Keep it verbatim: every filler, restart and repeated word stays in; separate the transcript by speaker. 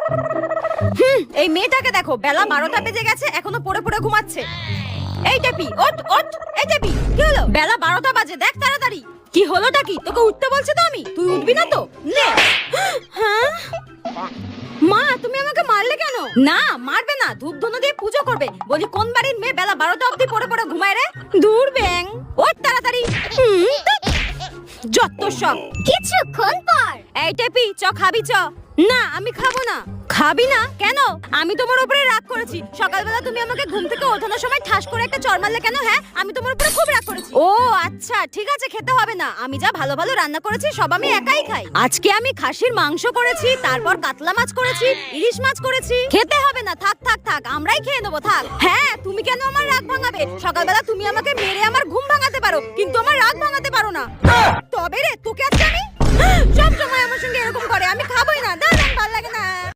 Speaker 1: হুম, এই মেয়েটাকে দেখো, বেলা বারোটা বেজে গেছে, এখনো পড়ে পড়ে ঘুমাচ্ছে। এই টেপি, ওঠ ওঠ। এই টেপি, কি হলো? বেলা বারোটা বাজে, দেখ তাড়াতাড়ি। কি হলোটা কি? তোকে উঠতে বলছি তো আমি, তুই উঠবি না তো? নে। হ্যাঁ মা, তুমি আমাকে মারলে কেন? না মারবে না, ধূপ ধুনো দিয়ে পুজো করবে। বলি কোন বাড়ির মেয়ে বেলা বারোটা অবধি পড়ে পড়ে ঘুমায় রে? দূর ব্যাং, ওঠ তাড়াতাড়ি। হুম, যত সব।
Speaker 2: কিছুক্ষণ পর
Speaker 1: এই টেপি, চ খাবি চ। না আমি খাবো না। খাবি না কেন? আমি তোমার উপরে রাগ করেছি। সকালবেলা তুমি আমাকে ঘুম থেকে ওঠানোর সময় ঠাস করে একটা চড় মারলে কেন? হ্যাঁ, আমি তোমার উপরে খুব রাগ করেছি। ও আচ্ছা, ঠিক আছে, খেতে হবে না। আমি যা ভালো ভালো রান্না করেছি সব আমি একাই খাই। আজকে আমি খাসির মাংস করেছি, তারপর কাতলা মাছ করেছি, ইলিশ মাছ করেছি। খেতে হবে না, থাক থাক থাক, আমরাই খেয়ে নেবো, থাক। হ্যাঁ, তুমি কেন আমার রাগ ভাঙাবে? সকালবেলা তুমি আমাকে মেরে আমার ঘুম ভাঙাতে পারো, কিন্তু আমার রাগ ভাঙাতে পারো না। তবে রে, তোকে আজকে আমি সব সময় আমার সঙ্গে এরকম করে। আমি খাবোই না, দাঁড়ান, ভালো লাগে না।